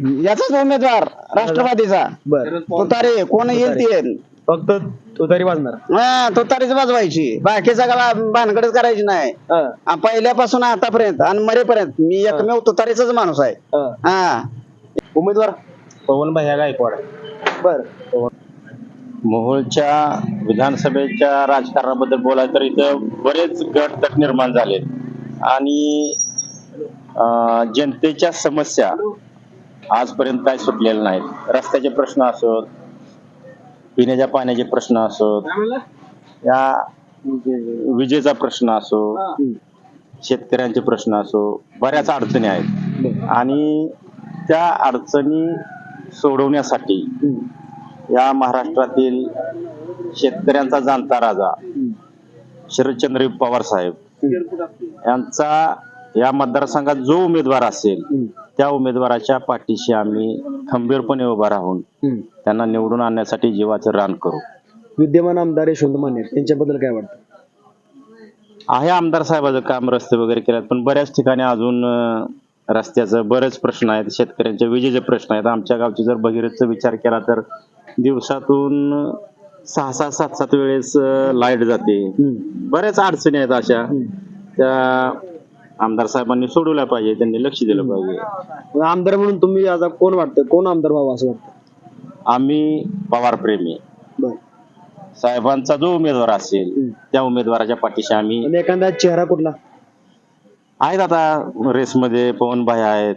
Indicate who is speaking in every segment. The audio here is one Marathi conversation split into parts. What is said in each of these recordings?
Speaker 1: याचाच उमेदवार राष्ट्रवादीचा
Speaker 2: बर
Speaker 1: तुतारी कोण येईल ते
Speaker 2: फक्त तुतारी वाजणार.
Speaker 1: हा तुतारीच वाजवायची बाकीचा का भानगडच करायची नाही. पहिल्यापासून आतापर्यंत आणि मरेपर्यंत मी एकमेव तुतारीचाच माणूस आहे. हा
Speaker 2: उमेदवार
Speaker 3: पवन भैया गायकवाड.
Speaker 2: बर
Speaker 3: मोहोळच्या विधानसभेच्या राजकारणाबद्दल बोलायचं तर इथं बरेच गट तट निर्माण झाले आणि जनतेच्या समस्या आजपर्यंत काय सुटलेल्या नाहीत. रस्त्याचे प्रश्न असोत, पिण्याच्या पाण्याचे प्रश्न असोत, या विजेचा प्रश्न असो, शेतकऱ्यांचे प्रश्न असो, बऱ्याच अडचणी आहेत आणि त्या अडचणी सोडवण्यासाठी या महाराष्ट्रातील शेतकऱ्यांचा जाणता राजा शरदचंद्र पवार साहेब यांचा या मतदारसंघात जो उमेदवार असेल त्या उमेदवाराच्या पाठीशी आम्ही खंबीरपणे उभा राहून त्यांना निवडून आणण्यासाठी जीवाचं रान करू.
Speaker 2: विद्यमान आमदार यशवंत माने त्यांच्याबद्दल काय वाटतं?
Speaker 3: आहे आमदार साहेबाचं काम, रस्ते वगैरे केलेत, पण बऱ्याच ठिकाणी अजून रस्त्याचं बरेच प्रश्न आहेत, शेतकऱ्यांचे विजेचे प्रश्न आहेत. आमच्या गावची जर भगीरथचा विचार केला तर दिवसातून 6-7 वेळेस लाईट जाते. बऱ्याच अडचणी आहेत अशा, त्या आमदार साहेबांनी सोडवल्या पाहिजे, त्यांनी लक्ष दिलं पाहिजे.
Speaker 2: आमदार म्हणून तुम्ही आता कोण वाटतं, कोण आमदार व्हावं असं वाटतं?
Speaker 3: आम्ही पवार प्रेमी. साहेबांचा जो उमेदवार असेल त्या उमेदवाराच्या पाठीशी आम्ही.
Speaker 2: एखादा चेहरा कुठला
Speaker 3: आहेत आता रेसमध्ये? पवन भाई आहेत,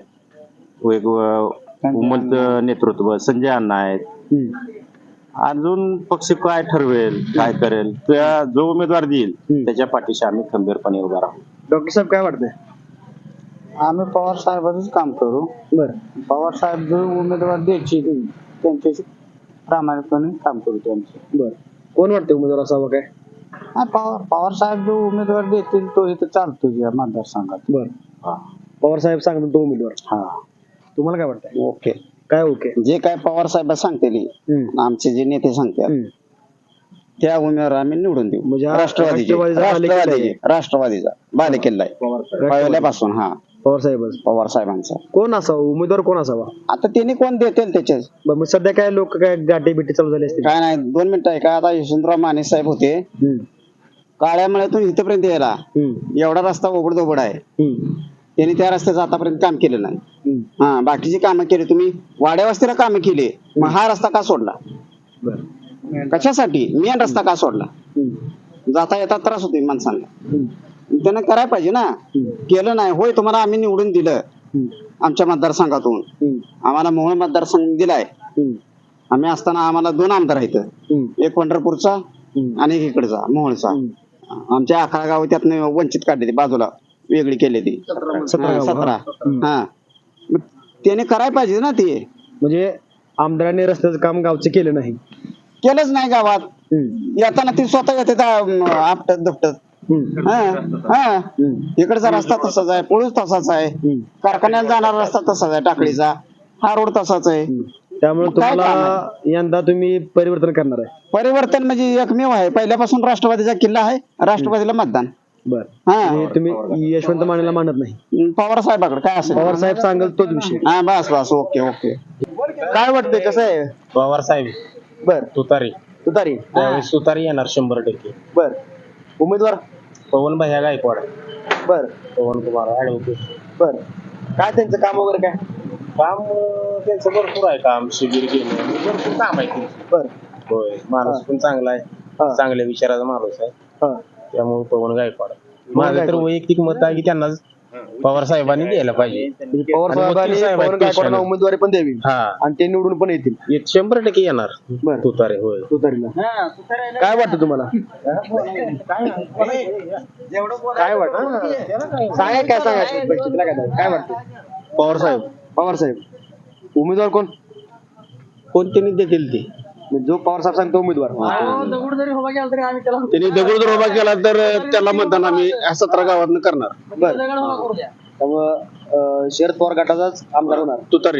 Speaker 3: उमलत नेतृत्व संजय अण्णा आहेत. अजून पक्ष काय ठरवेल, काय करेल, त्या जो उमेदवार देईल त्याच्या पाठीशी आम्ही खंबीरपणे उभा राहू.
Speaker 2: डॉक्टर साहेब काय वाटतंय?
Speaker 1: आम्ही पवार साहेबांच काम करू.
Speaker 2: बर
Speaker 1: पवार साहेब जो उमेदवार द्यायची त्यांच्याशी प्रामाणिकपणे काम करू त्यांचे.
Speaker 2: बर कोण वाटतं उमेदवार असावं काय?
Speaker 1: पवार साहेब जो उमेदवार देतील तो इथं चालतो या मतदारसंघात.
Speaker 2: बर पवार साहेब सांगतात तो उमेदवार.
Speaker 1: हा
Speaker 2: तुम्हाला काय वाटतंय?
Speaker 1: ओके.
Speaker 2: काय ओके?
Speaker 1: जे काय पवार साहेब सांगतील आमचे जे नेते सांगतात त्या उमेदवार आम्ही निवडून देऊ.
Speaker 2: म्हणजे
Speaker 1: राष्ट्रवादीचा बालेकिल्ला आहे पहिल्यापासून. हा पवार साहेबांचा.
Speaker 2: कोण असावा उमेदवार, कोण असावा?
Speaker 1: आता त्यांनी कोण देतील त्याच्याच.
Speaker 2: मग सध्या काय लोक काय गाठी बिटी चालू झाली असते?
Speaker 1: काय नाही, 2 मिनिटं आहे का. आता यशवंतराव माने साहेब होते, काळ्यामळ्यातून इथपर्यंत यायला एवढा रस्ता ओबडधोबड आहे. त्यांनी त्या रस्त्याचं आतापर्यंत काम केलं नाही. हा बाकीची कामं केली, तुम्ही वाड्या वस्तीला कामं केली, मग हा रस्ता का सोडला? कशासाठी? मेन रस्ता का सोडला? जाता येता त्रास होतो माणसांना, त्यानं करायला पाहिजे ना. केलं नाही. होय तुम्हाला आम्ही निवडून दिलं आमच्या मतदारसंघातून, आम्हाला मोहोळ मतदारसंघ दिलाय. आम्ही असताना आम्हाला 2 आमदार आहेत, एक पंढरपूरचा आणि एक इकडचा मोहोळचा. आमच्या 11 गाव त्यातनं वंचित काढले, बाजूला वेगळी केली ती 17. हा त्याने करायला पाहिजे ना ते.
Speaker 2: म्हणजे आमदारांनी रस्त्याचं काम गावचं केलं नाही,
Speaker 1: केलंच नाही गावात. येताना ती स्वतः येते आपटत दपटत. इकडचा रस्ता तसाच आहे, पुळूच तसाच आहे, कारखान्याला जाणारा रस्ता तसाच आहे, टाकळीचा हा रोड तसाच आहे.
Speaker 2: त्यामुळे तुम्हाला यंदा तुम्ही परिवर्तन करणार आहे?
Speaker 1: परिवर्तन म्हणजे एकमेव आहे, पहिल्यापासून राष्ट्रवादीचा किल्ला आहे, राष्ट्रवादीला मतदान.
Speaker 2: बर तुम्ही यशवंत मानेला मानत नाही?
Speaker 1: पवार साहेबाकडे काय असेल
Speaker 2: पवार साहेब सांगेल तोच विषय.
Speaker 1: हा बस ओके ओके.
Speaker 2: काय वाटतंय, कसं आहे?
Speaker 3: पवार साहेब.
Speaker 2: बर
Speaker 3: तुतारी
Speaker 2: त्यावेळेस
Speaker 3: तुतारी येणार 100%.
Speaker 2: बर उमेदवार
Speaker 3: पवन भैया गायकवाड.
Speaker 2: बर
Speaker 3: पवन कुमार ऍडव्होकेट.
Speaker 2: बर काय त्यांचं काम वगैरे काय?
Speaker 3: काम त्यांचं भरपूर आहे, काम शिबिर घेणं भरपूर काम आहे त्यांचं.
Speaker 2: बर
Speaker 3: होय, माणूस पण चांगला आहे, चांगल्या विचाराचा माणूस आहे, त्यामुळे पवन गायकवाड. माझं तर वैयक्तिक मत आहे की त्यांना पवार साहेबांनी द्यायला पाहिजे.
Speaker 2: पवार साहेबांनी उमेदवारी पण द्यावी आणि ते निवडून पण येतील.
Speaker 3: 100% येणार तुतारे. होय
Speaker 2: तुतारीला. काय वाटतं तुम्हाला? काय वाटतं सांगा, काय सांगायचं काय वाटतं?
Speaker 3: पवार साहेब.
Speaker 2: उमेदवार कोण
Speaker 3: त्यांनी देतील ते,
Speaker 2: जो पवार साहेब सांगतो उमेदवार.
Speaker 1: त्यांनी दगड जर उभा केला तर त्याला मतदान आम्ही 17 गावातून करणार.
Speaker 2: त्यामुळं शरद पवार गटाचाच आमदार होणार.
Speaker 1: तुतारी.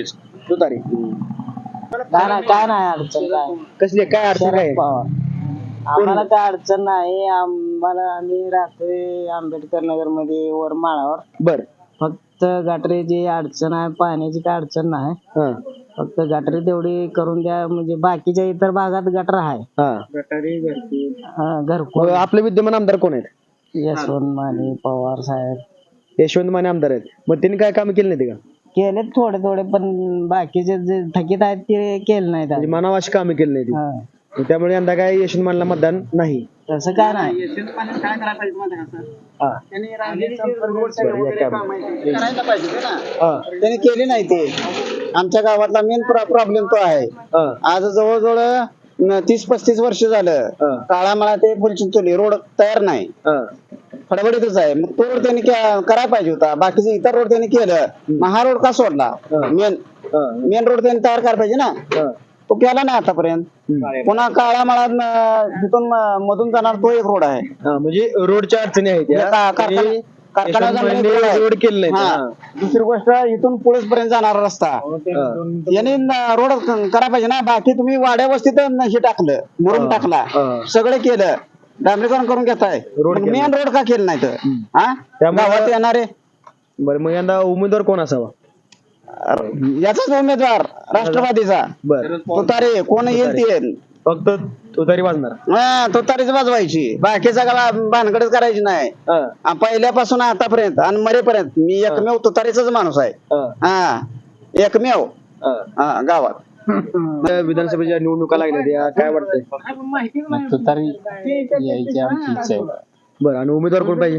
Speaker 4: काय नाही अडचण. काय
Speaker 2: कसली काय अडचण आहे?
Speaker 4: आम्हाला काय अडचण नाही. आम्ही राहतोय आंबेडकर नगर मध्ये वर माळावर.
Speaker 2: बर
Speaker 4: फक्त फक्त गटरीची अडचण आहे, पाण्याची काय अडचण नाही.
Speaker 2: हा
Speaker 4: फक्त गटरी तेवढी करून द्या, म्हणजे बाकीच्या इतर भागात गटर आहे.
Speaker 2: हा
Speaker 4: घरकुल.
Speaker 2: मग आपले विद्यमान आमदार कोण आहेत?
Speaker 4: यशवंत माने, पवार साहेब
Speaker 2: यशवंत माने आमदार आहेत. मग त्यांनी काय काम केले नाही का?
Speaker 4: केले थोडे थोडे, पण बाकीचे जे थकीत आहेत ते केले नाहीत.
Speaker 2: म्हणजे मनाव अशी कामे केली नाही ती.
Speaker 4: हा.
Speaker 2: मग त्यामुळे यंदा काय यशवंत मानेला मतदान नाही.
Speaker 4: तसं काय नाही.
Speaker 1: काय करायला पाहिजे माहिती आहे का सर?
Speaker 2: हा
Speaker 1: त्यांनी रांगेची रोडचे
Speaker 2: बरं, या
Speaker 1: वगैरे
Speaker 2: काय
Speaker 1: कामं आहेत ते करायला पाहिजे होते ना.
Speaker 2: हा
Speaker 1: त्यांनी केली नाही ते. आमच्या गावातला मेन प्रॉब्लेम तो आहे.
Speaker 2: हा
Speaker 1: आज जवळजवळ 30-35 वर्ष झालं
Speaker 2: हा.
Speaker 1: काळामाळा ते फुलचिंचोली रोड तयार नाही,
Speaker 2: हा
Speaker 1: फडफडीतच आहे. मग तो रोड त्यांनी करायला पाहिजे होता. बाकीचे इतर रोड त्यांनी केलं, मग हा रोड का सोडला?
Speaker 2: हा.
Speaker 1: मेन रोड त्यांनी तयार करायला पाहिजे ना.
Speaker 2: हा
Speaker 1: तो केला नाही आतापर्यंत. पुन्हा काळामाळात तिथून मधून जाणार तो एक रोड आहे.
Speaker 2: हा म्हणजे रोडच्या अडचणी आहेत या. म्हणजे
Speaker 1: कारखाना
Speaker 2: यशवंत मानेने रोड केले नाही.
Speaker 1: हा. दुसरी गोष्ट इथून पुढे पर्यंत जाणारा रस्ता यांनी रोड करायला पाहिजे ना. बाकी तुम्ही वाड्या वस्तीत हे टाकलं, मुरुम टाकला, सगळं केलं, डांबरीकरण करून घेताय.
Speaker 2: रोड केलं.
Speaker 1: मेन रोड का केलं नाही तर? हा
Speaker 2: त्यामुळं-
Speaker 1: गावात येणारे
Speaker 2: बरं मग यंदा उमेदवार कोण असावा?
Speaker 1: याचाच उमेदवार राष्ट्रवादीचा
Speaker 2: बर
Speaker 1: तुतारे कोण येईल ते येईल.
Speaker 2: फक्त तो तरी वाजणार.
Speaker 1: हा तुतारीच वाजवायची, बाकी सगळा भानगडच करायची नाही.
Speaker 2: हा
Speaker 1: पहिल्यापासून आतापर्यंत आणि मरेपर्यंत मी एकमेव तुतारीचाच माणूस आहे.
Speaker 2: हा
Speaker 1: हा एकमेव
Speaker 2: हा.
Speaker 1: गावात.
Speaker 2: त्या विधानसभेच्या निवडणुका लागल्या त्या काय वाटतंय?
Speaker 3: तुतारी यायची आमची इच्छा आहे.
Speaker 2: बरं आणि उमेदवार कोण पाहिजे?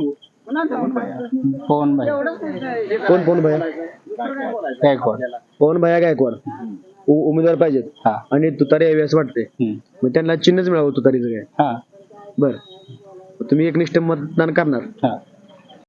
Speaker 3: पवन भाई
Speaker 2: कोण भया?
Speaker 3: गायकवाड.
Speaker 2: पवन भया गायकवाड उमेदवार पाहिजेत.
Speaker 3: हा.
Speaker 2: आणि तुतारी यावी असं वाटतंय. मग त्यांना चिन्हच मिळावं तुतारीचं काय?
Speaker 3: हा
Speaker 2: बरं तुम्ही एकनिष्ठ मतदान करणार.
Speaker 3: हा